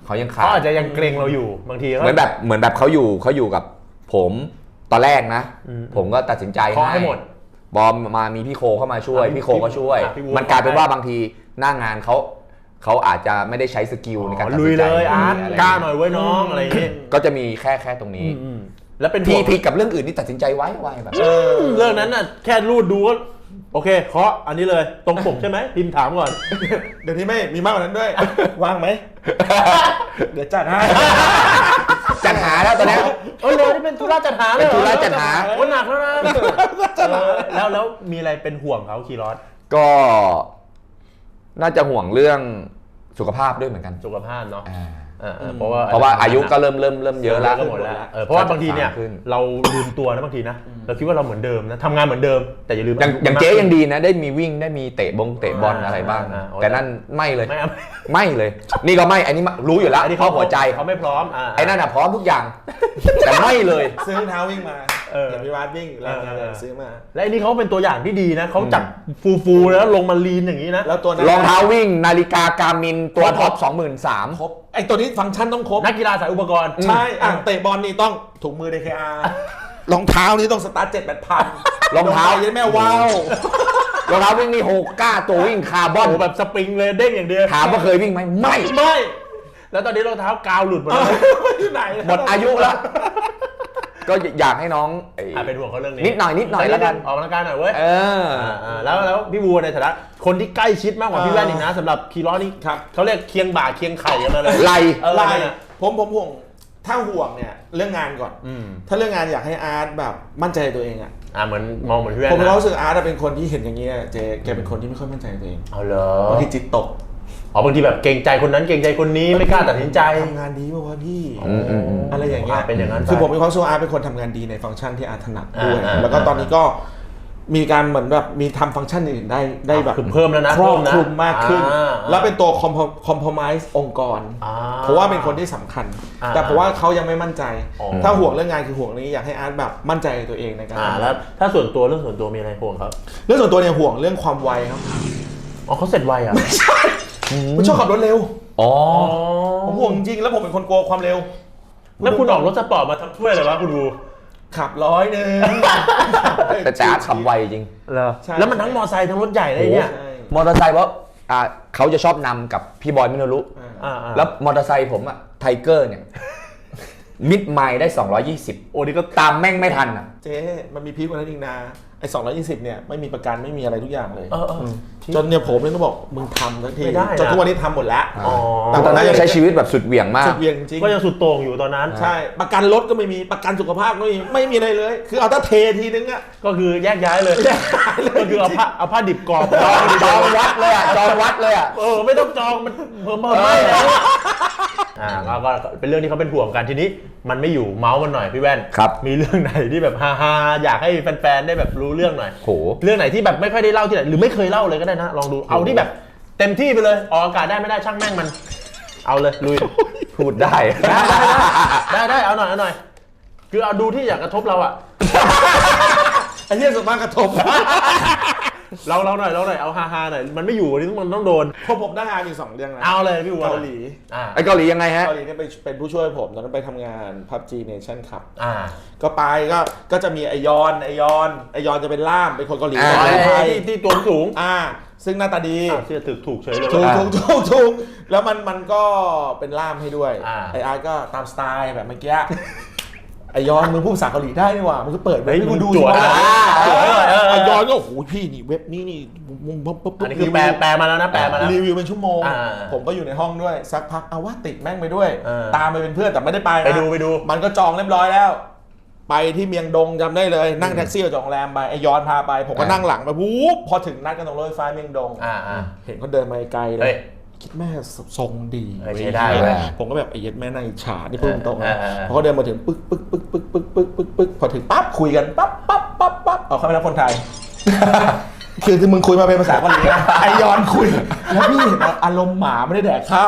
B: เขายังขาด
A: เขาอาจจะยังเกรงเราอยู่บางที
B: เหมือนแบบเหมือนแบบเขาอยู่เขาอยู่กับผมตอนแรกนะ ผมก็ตัดสินใจ
A: ขอให้หมด
B: บอมมามีพี่โคเข้ามาช่วย
A: อ่ะ
B: พี่โคก็ช่วย
A: อ่ะพี่วู
B: มันกลายเป็นว่าบางทีหน้างานเขาเขาอาจจะไม่ได้ใช้สกิลในการตัด
A: ลุ
B: สิ
A: ย
B: นใจ
A: เลยอาร์ต
B: ะไร
A: กล้าหน่อยเว้ยน้องอะไรอย่างงี้
B: ก็จะมีแค่แค่ตรงนี้
A: อืมแล้วเป็น
B: พี่
A: ห่วง
B: พี่กับเรื่องอื่นนี่ตัดสินใจไว้ไวแบบ
A: เออเรื่องนั้นน่ะแค่รูดดูก็โอเคเคาะอันนี้เลยตรงปกใช่ไหมพิมพ์ถามก่อน
C: เดี๋ยวนี้ไม่มีมากกว่านั้นด้วย ว่างไหม เดี๋ยวจัดให้
B: จัดหาแล้วตอนนี้
A: เออเลยนี่เป็นธุระจัดหาเลย
B: เป็นธุระจัดหา
A: โอ้หนักแล้วนะเออแล้วแล้วมีอะไรเป็นห่วงเขาคีรอส
B: ก็น่าจะห่วงเรื่องสุขภาพด้วยเหมือนกัน
A: สุขภาพเนาะ
B: อ่า
A: เออเออเพราะว่า
B: เพราะว่าอายุก็เริ่มเริ่มเริ่มเยอะแล้ว
A: ก็หมดแล้วเออเพราะว่าบางทีเนี่ย
B: ขึ้น
A: เราลืมตัวนะบางทีนะเราคิดว่าเราเหมือนเดิมนะทำงานเหมือนเดิมแต่อย่าลืม
B: อย่างอย่างเจ๊ยังดีนะได้มีวิ่งได้มีเตะบงเตะบอลอะไรบ้าง
A: อ่า
B: แต่นั่นไม่เลย
A: ไม่เอา
B: ไม่เลย นี่ก็ไม่อันนี้รู้อยู่แล้ว
A: อันนี้
B: เพราะหัวใจ
A: เขาไม่พร้อมอ่า
B: ไอ้นั่นน่ะพร้อมทุกอย่าง แต่ไม่เลย
C: ซื้อรองเท้าวิ่งมา
A: เออ
C: เห็นพี่วาดวิ่งแล้ว
A: เออเออ
C: ซื้อมา
A: และอันนี้เขาเป็นตัวอย่างที่ดีนะเขาจับฟูๆแล้วลงมาลีนอย่างนี้นะ
C: แล้วตัวนั้น
B: รองเท้าวิ่งนาฬิกาการมินตัวท็อปสองหมื่นสาม
C: ครบไอตัวนี้ฟังก์ชันต้องครบ
A: นักกีฬาสายอุปกรณ์
C: ใช่อ่ะเตะบอลนี่ต้องถุงมือ ดี เค อาร์ รองเท้านี่ต้องสตาร์ทเจ็ดแปดพัน
B: รองเท้า
C: ยันแม่ว้าว
B: รองเท้าวิ่งนี่โฮก้าตัววิ่งคาร์บอน
A: โอ้โหแบบสปริงเลยเด้งอย่างเดียว
B: ถามว่าเคยวิ่งไหมไม่
C: ไม่
A: แล้วตอนนี้รองเท้ากาวหลุดหมดแล้ว
C: ที่ไหน
B: หมดอายุแล้ว ก็อยากให้น้องไอ้
A: อ่ะเป็นห่วงเขาเรื่องนี้
B: นิดหน่อยนิดหน่อยแล้วกัน
A: ออกกำลังกายหน่อยเว้ย
B: เออ
A: อ่าแล้วแล้วพี่วัวในฐานะคนที่ใกล้ชิดมากกว่าพี่แว่นอีกนะสำหรับคีร้อนนี่
C: ครับ
A: เขาเรียกเคียงบ่าเคียงไข่กันมาเลย
B: ไหล
A: เออ
C: ไล่
A: เนี่ย
C: ผมผมห่วงถ้าห่วงเนี่ยเรื่องงานก่อน
A: อืม
C: ถ้าเรื่องงานอยากให้อาร์ตแบบมั่นใจในตัวเองอ่ะ
A: อ่าเหมือนมองเหมือนพี่แว่น
C: ผม
A: นะ
C: รู้สึกอาร์ตเป็นคนที่เห็นอย่างเงี้ยเจแกเป็นคนที่ไม่ค่อยมั่นใจในตัวเอง
A: เอาเหรอบ
C: างทีจิตตก
A: อ๋อบางทีแบบเกรงใจคนนั้นเกรงใจคนนี้ไม่กล้าตัดสินใจ
C: ทำงานดีป่าวะพี่
B: อืมอืมอืม
C: อะไรอย่างเงี้ย
A: เป็นอย่างนั้น
C: คือผมมีความรู้สึกว่าอาร์ตเป็นคนทำงานดีในฟังก์ชันที่อาร์ตถนัดด้วย
A: อ่าอ่า
C: แล้วก็ตอนนี้ก็มีการเหมือนแบบมีทำฟังก์ชันอื่นได้ได้แบบ
A: คือเพิ่มแล้วนะ
C: ครอบ
A: เพิ่มนะ
C: คลุมมากขึ้น
A: อ่า
C: แล้วเป็นตัวคอมคอมพอมไส์องค์กร
A: อ่
C: เพราะว่าเป็นคนที่สำคัญ
A: อ่า
C: แต่เพราะว่าเขายังไม่มั่นใจ
A: อ๋อ
C: ถ้าห่วงเรื่องงานคือห่วงนี้อยากให้อาร์ตแบบมั่นใจในตัวเองในการ
A: อ่า
C: ทำ
A: แล้วถ้าส่วนตัวเรื่องส่วนตัวมีอะไรห่วงครับ
C: เรื่องส่วนตัวเนี่ยห่วงเรื่องความไวครับ
A: อ๋อเขาเสร็จไวอ่ะ
C: ผมชอบขับรถเร็ว
B: อ๋อ
C: ผมห่วงจริงแล้วผมเป็นคนกลัวความเร็ว
A: แล้วคุณออกรถสปอร์ตมาทำถ้วยเลยวะคุณดู
C: ขับร้อยหนึ่ง
B: แต่แต่อาร์ตขับไวจริง
A: เหรอ
C: ใช่
A: แล้วมันทั้งมอไซค์ทั้งรถใหญ่เลยเนี่ย
C: ใช่
B: มอเตอร์ไซค์เพราะอ่าเขาจะชอบนำกับพี่บอยมิโนรุ
A: อ่าๆ
B: แล้วมอเตอร์ไซค์ผมอะไทเกอร์เนี่ย มิดไมล์ได้สองร้อยยี่สิบ
A: โอ้นี่ก็
B: ตามแม่งไม่ทันอะ
C: เจ๊มันมีพีคกว่านั้นอีกนะไอ้สองร้อยยี่สิบเนี่ยไม่มีประกันไม่มีอะไรทุกอย่างเลย
A: เออเออ
C: จนเนี่ยผมเนี่ยต้องบอกมึงทำทันที
A: ไม่ได้นะ
C: จนทุกวันนี้ทำหมดแล้ว
A: อ๋อ
B: แต่ตอนนั้นยังใช้ชีวิตแบบสุดเหวี่ยงมาก
C: สุดเวียงจริง
A: ก็ยังสุดโต่งอยู่ตอนนั้น
C: ใช่ประกันรถก็ไม่มีประกันสุขภาพก็ไม่มีไม่มีอะไรเลย คือเอาถ้าเททีนึงอะ
A: ก็คือแยกย้ายเลย ก็คือเอาผ้าเอาผ้าดิบกรอบ
B: จองจองวัดเลยอะจองวัดเลยอะ
A: เออไม่ต้องจองมันเพิ่มเพิ่มไม่แล้วอ่าก็ก็เป็นเรื่องที่เขาเป็นห่วงกันทีนี้ มันไม่อยู่เมาส์มันหน่อยพี่แว่น
B: ครับ
A: มีเรื่องไหนที่แบบฮาๆอยากให้แฟนๆได้แบบรู้เรื่องหน่อย
B: โห
A: เรื่องไหนที่แบบไม่ค่อยได้เล่าที่ไหนหรือไม่เคยเล่าเลยก็ได้นะลองดูเอาที่แบบเต็มที่ไปเลยออกอากาศได้ไม่ได้ช่างแม่งมัน เอาเลยลุย
B: พูดได้
A: ได้ได้ได้เอาหน่อยเอาหน่อยคือเอาดูที่อยากกระทบเราอะ
C: ไอ้เรื่องส่วนมากกระทบ
A: เราเราหน่อยเราหน่อยเอาฮาๆหน่อยมันไม่อยู่วันนี้มันต้องโดน
C: พอผมได้งานอยู่สองเรื่องนะ
A: เอาเลยพี่วัว
C: เกาหลี
A: อ่า
B: ไอ้เกาหลียังไงฮะ
C: เกาหลีเนี่ยไปเป็นผู้ช่วยผมตอนนั้นไปทำงาน พับจี Nation Cup
A: อ่า
C: ก็ไปก็ก็จะมีไอยอนไอยอนไอยอนจะเป็นล่ามเป็นคนเกาหลี
B: อ่า
C: สอนไทย
A: ที่ที่ตัวสูง
C: อ่า ซึ่งหน้าตาดี
A: อ่าเชื่อถูกถูกเฉยเลย
C: ถูก
B: อ่า
C: ถูกถูกถูกแล้วมันมันก็เป็นล่ามให้ด้วย
A: อ่า
C: ไออาร์ตก็ตามสไตล์แบบเมื่อกี้ไอยอนมึงพูดภาษาเกาหลีได้นี่หว่ามึงก็เปิดเว็บให้กูดู
A: จวด
C: สิ
A: อ่ะ
C: ว่า
A: เออ
C: ไอ
A: เออย
C: อนก็โอ้โหพี่นี่เว็บนี้นี่มึงปุ๊บปุ๊บ
A: อันนี้คือแปลแปลมาแล้วนะแปลมาแล้ว
C: รีวิวเป็นชั่วโมง
A: อ่า
C: ผมก็อยู่ในห้องด้วยสักพักเอาว่าติดแม่งไปด้วย
A: เออ
C: ตามไปเป็นเพื่อนแต่ไม่ได้ไปนะ
A: ไปดูไปดู
C: มันก็จองเรียบร้อยแล้ว ไปที่เมียงดงจำได้เลย นั่งแท็กซี่ออกจากโรงแรมไปไอยอนพาไป ผมก็
B: อ่า
C: นั่งหลังไปวูบพอถึงนัดกันตรงรถไฟฟ้าเมียงดง
A: อ่าอ่า
C: เห็นเขาเดินมาไกลเล
A: เฮ้
C: ย
A: ย
C: คิดแม่ทรงดี
A: เออใช้ได้เว้ย
C: ผมก็แบบไอ้เย็ดแม่นางอิจฉานี่พูดตรงๆ
A: เอ
C: นะ
A: อเออเออ
C: พอเขาเดินมาถึงปึ๊กปึ๊กปึ๊กปึ๊กปึ๊กปึ๊กปึ๊กปึ๊กพอถึงปั๊บคุยกันปั๊บปั๊บปั๊บปั๊บเอาเขาไม่รับคนไทย คือที่มึงคุยมาเป็นภาษาเกาหลีนะไอยอนคุย แล้วพี่เห็นอารมณ์หมาไม่ได้แดกข้าว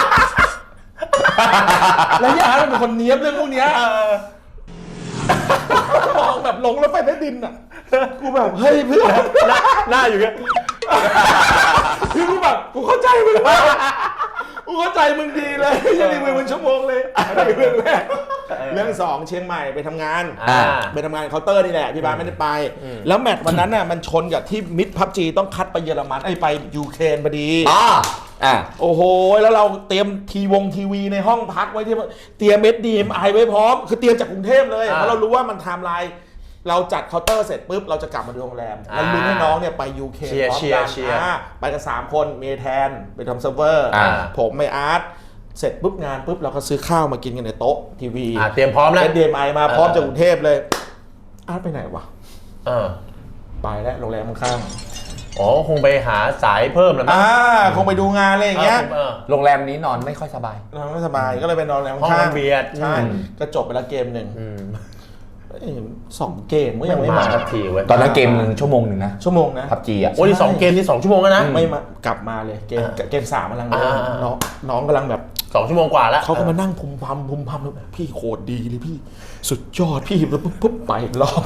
C: แล้วยาร์เป็นคนเนี้ยบเรื่องพวกเนี้ยมองแบบลงแล้วไปใต้ดินอ่ะกูแบบเฮ้ยเพื่อน
A: หน้าอยู่เงี้ย
C: คือกูแบบกูเข้าใจมึงแล้วกูเข้าใจมึงดีเลยยังรีวิวเป็นชั่วโมงเลยอันนี้เรื่องแรกเรื่องสองเชียงใหม่ไปทำงานไปทำงานเคาน์เตอร์นี่แหละพี่บ้านไม่ได้ไปแล้วแมตช์วันนั้นน่ะมันชนกับที่มิดพับจีต้องคัดไปเยอรมันไอ้ไปยูเครนพอดี
B: อ่าอ่า
C: โอ้โหแล้วเราเตรียมทีวงทีวีในห้องพักไว้ที่เตรียมเอสดีเอ็มไอไว้พร้อมคือเตรียมจากกรุงเทพเลยเพราะเรารู้ว่ามันไทม์ไลน์เราจัดเคาน์เตอร์เสร็จปุ๊บเราจะกลับมาดูโรงแรมแล้วลุ้นให้น้องเนี่ยไปยูเคพร้อมกันไปกันสามคนเมแทนไปทำเซิร์ฟเวอร์ผมไม่อาร์ตเสร็จปุ๊บงานปุ๊บเราก็ซื้อข้าวมากินกันในโต๊ะทีวี
A: เตรียมพร้อมแล้ว
C: เอส ดี เอ็ม ไอ มาพร้อมจากกรุงเทพเลยอาร์ตไปไหนวะไปแล้วโรงแรมข้าง
A: อ๋อคงไปหาสายเพิ่มแล้วมั้ง
C: อ่าคงไปดูงานอะไรอย่างเงี้ย
B: โรงแรมนี้นอนไม่ค่อยสบาย
C: นอนไม่สบายก็เลยไปนอนโรงแรม
A: ข้างห้องเบียด
C: ใช่ก็จบไปแล้วเกมหนึ่งสองเกมก็ยังไม่มา
A: สักทีเว้ย
B: ตอนนั้นเกมหนึ่งชั่วโมงหนึ่งนะ
C: ชั่วโมงนะ
B: พับจีอ่ะ
A: โอ้ยสองเกมที่สองชั่วโมงแล้วนะ
C: ไม่มากลับมาเลยเกมเกมสามกำลังน้องน้องกำลังแบบ
A: สองชั่วโมงกว่าแล้ว
C: เขาก็มานั่งพุมพำพุมพำแบบพี่โคตรดีเลยพี่สุดยอดพี่แล้วปุ๊บปุ๊บไปรอบ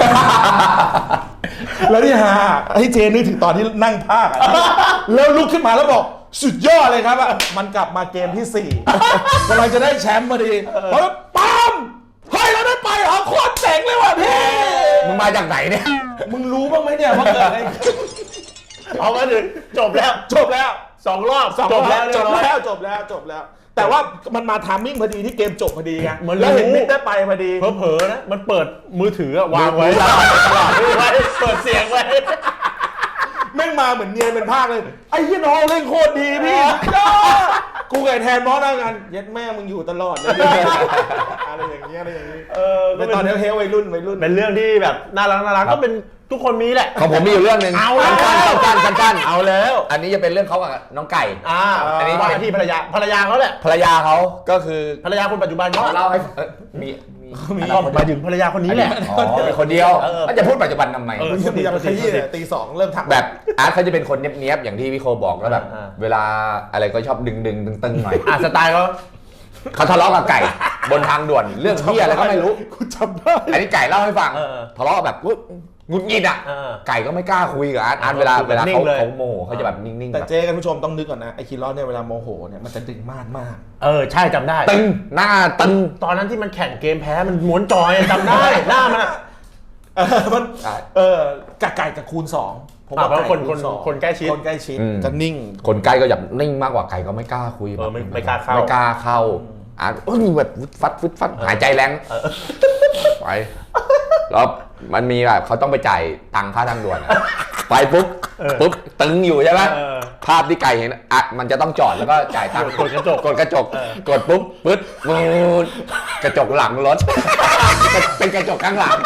C: แล้วนี่ฮะไอ้เจนึกถึงตอนที่นั่งภาคแล้วลุกขึ้นมาแล้วบอกสุดยอดเลยครับมันกลับมาเกมที่สี่กำลังจะได้แชมป์พอดีเพราะปั๊มเฮ้ยเราได้ไปเหรอโคตรเจ๋งเลยว่ะพี่
B: มึงมาจากไหนเนี่ย
C: มึงรู้บ้างไหมเนี่ยว่าเกิดอะไร
A: เอามาถึงจบแล้ว
C: จบแล้ว
A: สองรอบ
C: จบแล้วจบแล้วจบแล้วจบแล้วแต่ว่ามันมาทามมิ่งพอดีที่เกมจบพอดีไงแล้วเห็นมิดได้ไปพอดี
A: เผลอๆนะมันเปิดมือถือวางไว้ตลอดเปิดเสียงไว้
C: แม่งมาเหมือนเนียนเป็นภาคเลยไอ้ยี่น้องเล่นโคตรดีพี่กูไก่แทนน้องนั่งกันเย็ดแม่มึงอยู่ตลอดเลยอะไรอย่างเงี้ยอะไรอย่างงี้เออเป็นตอนเฮลวัยรุ่นวัยรุ่น
A: เป็นเรื่องที่แบบน่ารักน่ารักก็เป็นทุกคนมีแหละ
B: ของผมมีอยู่เรื่องนึง
A: เอาแล้ว
B: สั้นๆสั้นๆ
A: เอาแล้ว
B: อันนี้จะเป็นเรื่องเขากับน้องไก่
A: อ่าอันนี้ว่าที่ภรรยาภรรยาเขาแหละ
B: ภรรยาเขาก็คือ
A: ภรรยาคนปัจจุบันเขา
B: เล่าให้มี
A: มีหมายถึงภรรยาคนนี้แหละ
B: อ๋อเป็นคนเดียวมันจะพูดปัจจุบันทำไม
C: ตีขยี้ตีสองเริ่มทัก
B: แบบอาร์ตเขาจะเป็นคนเนี้ยบๆอย่างที่พี่โคบอกแล้วแบบเวลาอะไรก็ชอบดึงดึงตึงๆหน่อย
A: อ่ะสไตล์เขา
B: เขาทะเลาะกับไก่บนทางด่วนเรื่องที่อะไรก็ไม่รู้
C: กูจำได้
B: อันนี้ไก่เล่าให้ฟังทะเลาะแบบงุดหงิดอ่ะไก่ก็ไม่กล้าคุยกับอาร์ตอาร์ตเวลาเวลาเขาเขาโมโหเขาจะแบบนิ่งๆ
C: แต่เจ๊กันผู้ชมต้องนึกก่อนนะไอ้คิรอสเนี่ยเวลาโมโหเนี่ยมันจะดึงมากมาก
A: เออใช่จำได้
B: ตึงหน้าตึง
A: ตอนนั้นที่มันแข่งเกมแพ้มันม้วนจอยจำได้หน้ามันอ่ะ
C: เออมันเออกะไก่กับคูณสอง
A: ผมว่าคนคนคนใกล้ชิด
C: คนใกล้ชิดจะนิ่ง
B: คนใกล้ก็แบบนิ่งมากกว่าไก่ก็ไม่กล้าคุย
A: เออไม่ไม่กล้าเข้า
B: ไม่กล้าเข้าอ่ะโอ้ยแบบฟัดฟึดฟัดหายใจแรงไปแล้วมันมีแบบเขาต้องไปจ่ายตังค่าทางด่วนไปปุ๊บปุ๊บตึงอยู่ใช่ไหมภาพที่ไก่เห็นอ่ะมันจะต้องจอดแล้วก็จ่ายตังค์
A: กดกระจก
B: กดกระจกกดปุ๊บปึ๊ดมูดกระจกหลังรถเป็นกระจกข้างหลัง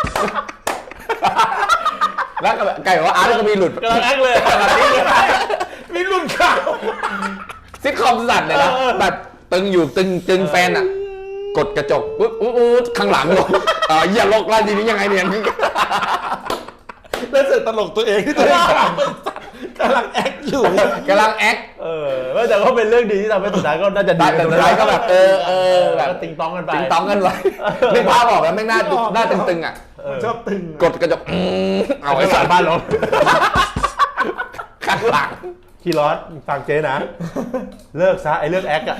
B: แล้วไก่บอกว่าอาร์ตก็มีหลุด
A: กำลังแอคเลย
C: มีหลุดข่าว
B: ซิทคอมสั่นเลยนะแบบตึงอยู่ตึงตึงแฟนอ่ะกดกระจกปุ๊บอุ๊บข้างหลังลงอ่าอย่าลกแล้วทีนี้ยังไงเนี่ย
C: แล้วเสร็จตลกตัวเองที่ตัวเองกำลังกำลังแอคอยู่
B: กำลังแอค
A: เออแต่ก็เป็นเรื่องดีที่ทำให้สุดท้ายก็น่าจะดี
B: แต่สุดท้ายก็แบบเออเออแบบ
A: ติงตองกันไป
B: ติงตองกันไปไม่พาบอกแล้วไม่น่าหน้าตึงๆอ่ะ
C: ชอบตึง
B: กดกระจก
A: เอาไอ้สารบ้านลง
B: ข้างหลัง
A: คีรอสฟังเจ๊นะเลิกซะไอ้เรื่องแอคอะ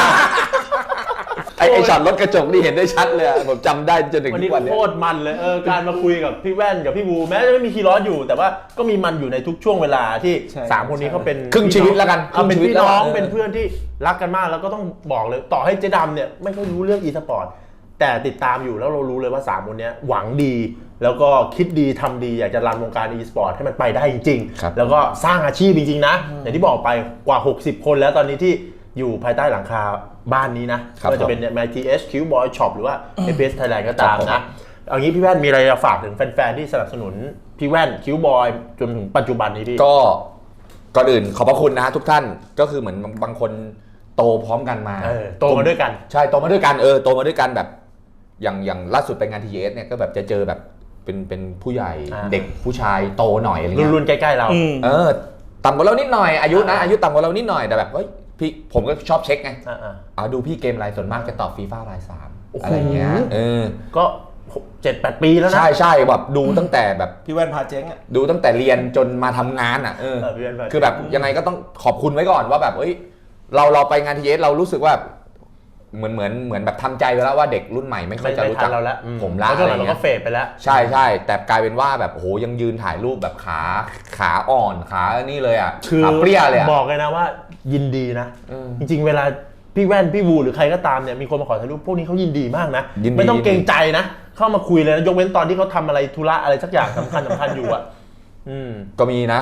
B: ไอ้ไอ้ช็อตรถกระจกนี่เห็นได้ชัดเลยผมจำได้จนถึง
A: วันนี้โคตรมันเลยเออการมาคุยกับพี่แว่นกับพี่บูแม้จะไม่มีคีรอสอยู่แต่ว่าก็มีมันอยู่ในทุกช่วงเวลาที่สามคนนี้เขาเป็น
B: ครึ่งชีวิตแล้วกัน
A: เป็นพี่น้องเป็นเพื่อนที่รักกันมากแล้วก็ต้องบอกเลยต่อให้เจ๊ดำเนี่ยไม่ค่อยรู้เรื่องอีสปอร์ตแต่ติดตามอยู่แล้วเรารู้เลยว่าสามคนนี้หวังดีแล้วก็คิดดีทำดีอยากจะรันวงการอีสปอร์ตให้มันไปได้จริงๆแล้วก็สร้างอาชีพจริงๆนะอย่างที่บอกไปกว่าหกสิบคนแล้วตอนนี้ที่อยู่ภายใต้หลังคาบ้านนี้นะไม่ว่าจะเป็น ไม ที เอช คิว Boy Shop หรือว่า เอ พี เอส Thailand ก็ตามนะเอางี้พี่แว่นมีอะไรจะฝากถึงแฟนๆที่สนับสนุนพี่แว่น คิว Boy จนถึงปัจจุบันนี้พี่
B: ก็ก่อนอื่นขอบพระคุณนะทุกท่านก็คือเหมือนบางคนโตพร้อมกันมา
A: โตมาด้วยกัน
B: ใช่โตมาด้วยกันเออโตมาด้วยกันแบบอย่างอย่างล่าสุดไปงาน ที เอส เนี่ยก็แบบจะเจอแบบเป็นเป็นผู้ใหญ่เด็กผู้ชายโตหน่อยอะไรเงี้ย
A: รุ่นๆใกล้ๆเรา
B: เออต่ำกว่าเรานิดหน่อยอายุนะอายุต่ำกว่าเรานิดหน่อยแต่แบบเฮ้ยพี่ผมก็ชอบเช็คไงอ่าดูพี่เกมรายส่วนมากจะตอบฟีฟ่ารายสามอะไรเงี้ยเออ
A: ก็เจ็ดแปดปีแล้วนะ
B: ใช่ใช่แบบดูตั้งแต่แบบ
C: พี่แว่นพาเจ๊งอ่ะ
B: ดูตั้งแต่เรียนจนมาทำงานอ่ะเออคือแบบยังไงก็ต้องขอบคุณไว้ก่อนว่าแบบเอ้ยเราเราไปงานทีเอสเรารู้สึกว่าเหมือนเหมือนเหมือนแบบทำใจไปแล้วว่าเด็กรุ่นใหม่ไม่ค่อยจะรู้จัก
A: เราแล้ว
B: ผมละ
A: เพราะ
B: อะไร
A: เรา
B: เงี้
A: ก็
B: ย
A: เฟดไปแล้ว
B: ใช่ใช่แต่กลายเป็นว่าแบบโอ้โหยังยืนถ่ายรูปแบบขาขาอ่อนขานี่เลยอ่ะ
A: คือ
B: ขาเปรี้ยเลยอ่ะ
A: บอกเลยนะว่ายินดีนะ
B: อืม
A: จริงๆเวลาพี่แว่นพี่วูหรือใครก็ตามเนี่ยมีคนมาขอถ่ายรูปพวกนี้เขายินดีมากนะ
B: ยินดี
A: ไม่ต้องเกรงใจนะ เข้ามาคุยเลยนะยกเว้นตอนที่เขาทำอะไรธุระอะไรสักอย่างสำคัญสำคัญอยู่อ่ะอืม
B: ก็มีนะ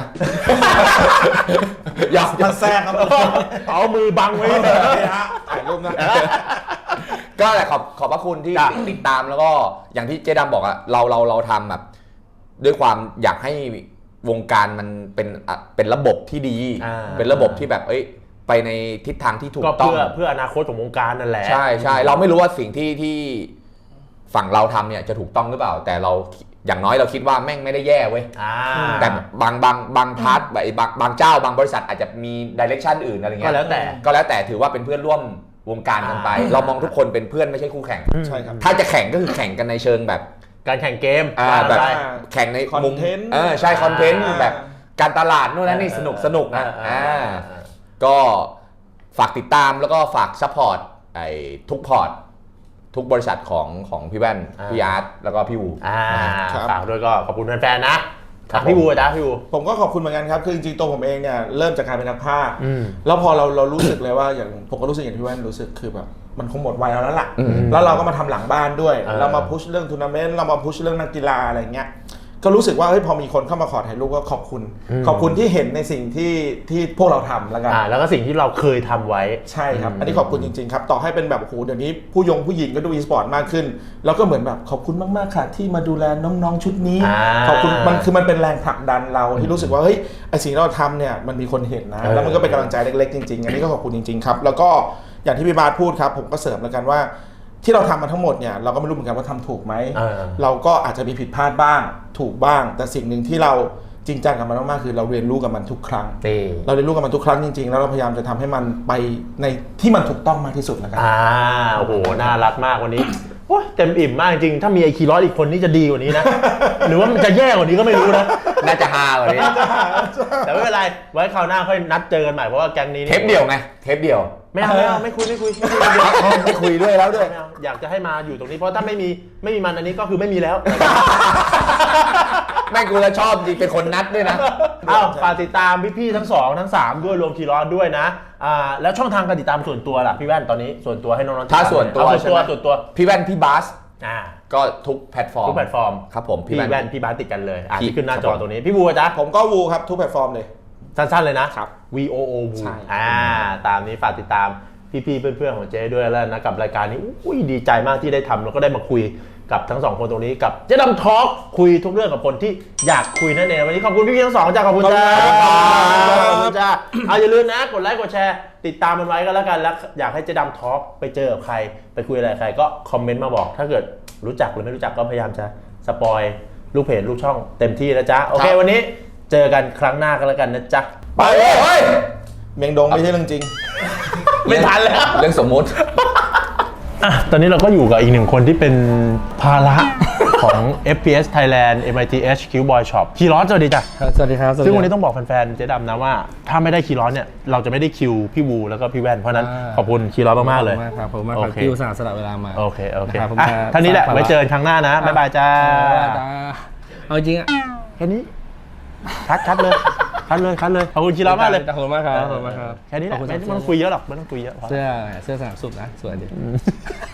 B: อยาก
C: มันแทรกครับ
A: เอามือบังไว้
C: นี่ฮะถ่ายรูปนะ
B: ก็แหละขอบขอบพระคุณที่
A: จ้ะ
B: ติดตามแล้วก็อย่างที่เจ๊ดำบอกอะเราเราเราทำแบบ ด้วยความอยากให้วงการมันเป็นอ่ะเป็นระบบที่ดี
A: อ่า
B: เป็นระบบที่แบบเอ้ยไปในทิศทางที่ถูก
A: ก็
B: ต้อง
A: เพื่อเพื่ออนาคตของวงการนั่นแหละ
B: ใช่ใช่เราไม่รู้ว่าสิ่งที่ที่ฝั่งเราทำเนี่ยจะถูกต้องหรือเปล่า แต่เราอย่างน้อยเราคิดว่าแม่งไม่ได้แย่เว้ย
A: อ่า
B: แต่บางบางบางพาร์ทแบบบางบางเจ้าบางบริษัทอาจจะมีดิเรกชันอื่นอะไรเงี้
A: ก็
B: ย
A: แล้วแต่
B: ก็แล้วแต่ถือว่าเป็นเพื่อนร่วมวงการกันไป
A: อ่า
B: เรามองทุกคนเป็นเพื่อนไม่ใช่คู่แข่ง
C: ใช่ครับ
B: ถ้าจะแข่งก็คือแข่งกันในเชิงแบบ
A: การแข่งเกม
B: อ่า
A: ว่า
B: แบบ
A: ไป
B: แข่งในมุม
C: Content
B: เออใช่คอนเทนต์
C: อ่า
B: แบบการตลาดนู่นนั่นนี่
A: เออ
B: สนุกสนุกนะ
A: เออเออ
B: อ่า
A: เออ
B: ก็ฝากติดตามแล้วก็ฝากซัพพอร์ตไอ้ทุกพอร์ตทุกบริษัทของของพี่แว่น
A: อ่า
B: พี่อาร์ตแล้วก็พี่วู
A: อ่า
C: ครับ
A: ฝากด้วยก็ขอบคุณแฟนๆนะ
B: ครั
A: ถา
B: บ
A: มพี่
B: ผม
A: บูจ้าพี่บู
C: ผมก็ขอบคุณเหมือนกันครับ คือจริงๆตัวผมเองเนี่ยเริ่มจากการเป็นนักพากย์
A: อืม
C: แล้วพอเราเรารู้สึกเลยว่าอย่างผมก็รู้สึกอย่างที่แว่นรู้สึกคือแบบมันคงหมดวัยเราแล้วล่ะ
B: อืม
C: แล้วเราก็มาทำหลังบ้านด้วย
A: เออ
C: เรามาพุชเรื่องทัวร์นาเมนต์เรามาพุชเรื่องนักกีฬาอะไรเงี้ยก็รู้สึกว่าเฮ้ยพอมีคนเข้ามาขอถ่ายรูปก็ขอบคุณ ขอบคุณที่เห็นในสิ่งที่ที่พวกเราทำแล้วกัน
A: อ่าแล้วก็สิ่งที่เราเคยทำไว้
C: ใช่ครับ อันนี้ขอบคุณจริงๆครับ ต่อให้เป็นแบบโอ้โหเดี๋ยวนี้ผู้ยงผู้หญิงก็ดูอีสปอร์ตมากขึ้น แล้วก็เหมือนแบบขอบคุณมากๆค่ะที่มาดูแลน้องๆชุดนี้
A: อ่า
C: ขอบคุณมันคือมันเป็นแรงผลักดันเราที่รู้สึกว่าเฮ้ยไอสิ่งที่เราทำเนี่ยมันมีคนเห็นนะ
A: เออ
C: แล้วมันก็เป็นกำลังใจเล็กๆจริงๆ อันนี้ก็ขอบคุณจริงๆครับ แล้วก็อย่างที่พี่บาสพูดครับ ผมก็เสริมแล้วกันว่า ที่เราทำมาทั้งหมดเนี่ยเราก็ไม่รู้เหมือนกันว่าทำถูกไหม
A: เออ
C: เราก็อาจจะมีผิดพลาดบ้าง ถูกบ้าง แต่สิ่งหนึ่งที่เราจริงจังกับมันมากๆคือเราเรียนรู้กับมันทุกครั้ง
A: นี่
C: เราเรียนรู้กับมันทุกครั้งจริงๆ แล้วเราพยายามจะทำให้มันไปในที่มันถูกต้องมากที่สุดนะครับ
A: อ่าโอ้โหน่ารักมากวันนี้โอ้ยเต็มอิ่มมากจริงถ้ามีไอคีร้อยอีกคนนี่จะดีกว่านี้นะ หรือว่ามันจะแย่กว่านี้ก็ไม่รู้นะ
B: น่าจะฮากว่านี้
A: แต่ไม่เป็นไรไว้คราวหน้าค่อยนัดเจอกันใหม่เพราะว่าแก๊งนี้นี่
B: เทปเดียวไงเทปเดียว
A: ไม่เอาไม่เอาไม่คุยไม่คุยไม่คุย
B: ไม่คุยด้วยแล้วด้วย
A: ไม่เอาอยากจะให้มาอยู่ตรงนี้เพราะถ้าไม่มีไม่มีมันอันนี้ก็คือไม่มีแล้ว
B: แม่งกูแล้วชอบจริงเป็นคนนัดด้วยนะ
A: เอ้าฝากติดตามพี่ๆทั้งสองทั้งสามด้วยรวมคีรอสด้วยนะอ่าแล้วช่องทางการติดตามส่วนตัวล่ะพี่แว่นตอนนี้ส่วนตัวให้น้องๆติดตม
B: ถ้าส่วนตัว
A: เอาส่วนตัว
B: ใช่ไหม
A: ส่วนตัว
B: พี่แว่นพี่บาส
A: อ่า
B: ก็ทุกแพลตฟอร์ม
A: ทุกแพลตฟอร์ม
B: ครับผม
A: พี่แว่นพี่บาสติดกันเลยอ่า
B: พี่
A: ที่ขึ้นหน้า
B: ครับ
A: จอ
B: ผม
A: ตรงนี้พี่บูจ๊ะ
C: ผมก็วูครับทุกแพลตฟอร์มเลย
A: สั้นๆเลยนะครับ V O O วู
C: ใช่
A: อ่าตามนี้ฝากติดตามพี่ๆเพื่อนๆของเจ๊ด้วยแล้วนะกับรายการนี้อุ้ยดีใจมากที่ได้ทำแล้วก็ได้มาคุยกับทั้งสองคนตรงนี้กับเจ๊ดำทอล์กคุยทุกเรื่องกับคนที่อยากคุยนั่นเองวันนี้ขอบคุณพี่ๆทั้งสองจ้าขอบคุณจ้าขอบคุณจ้าเอาอย่าลืมนะกดไลค์กดแชร์ติดตามมันไว้ก็แล้วกันแล้วอยากให้เจ๊ดำทอล์กไปเจอกับใครไปคุยอะไรกับใครก็คอมเมนต์มาบอกถ้าเกิดรู้จักหรือไม่รู้จักก็พยายามจะสปอยลูกเพจลูกช่องเต็มที่นะจ๊ะโอเควันนี้เจอกันครั้งหน้ากันแล้วกันนะจ๊ะ
B: ไปเลยเฮ้ย
C: เมียงดงไม่ใช่เรื่องจริง
A: ไม่ทันแล้ว
B: เรื่องสมมุติ
A: อ่ะตอนนี้เราก็อยู่กับอีกหนึ่งคนที่เป็นภาระของ เอฟ พี เอส Thailand เอ็ม ไอ ที เอช Q Boy Shop คีรอสสวัสดีจ้ะ
D: ครับสวัสดีครับสวัสดี
A: ซึ่งวัน
D: ค
A: นี้
D: รับ
A: ต้องบอกแฟนๆเจ๊ดำนะว่า ถ้าไม่ได้คีรอสเนี่ยเราจะไม่ได้คิวพี่วูแล้วก็พี่แว่นเพราะฉะนั้น
D: อ่า
A: ขอบคุณคีรอสมากๆเลย
D: ขอบคุณมากครับผมมากค
A: โอ
D: รับ
A: เค
D: ที่อุตส่าห์สละเวลามา
A: โอเคโอเค
D: นะครับผม
A: อ่ะ
D: จะ
A: ท่านี้แหละ
D: ฝาก
A: ไว้เจอกันครั้งหน้านะบ๊ายบายจ้า
D: จ้าเอาจริงอ่ะ
A: แค่นี้คัดคัดเลยคัดเลยคัดเลยขอบคุณคีรอสมากเลย
D: ขอบคุณมากครับขอบคุณมากครับ
A: แค่นี้แหละ
D: ขอบคุณ
A: ไม่
D: ครับ
A: ต้องคุยเยอะหรอกไม่ต้องคุยเยอะพอ
D: เสื้อเสื้อสนามสุดนะสวยดี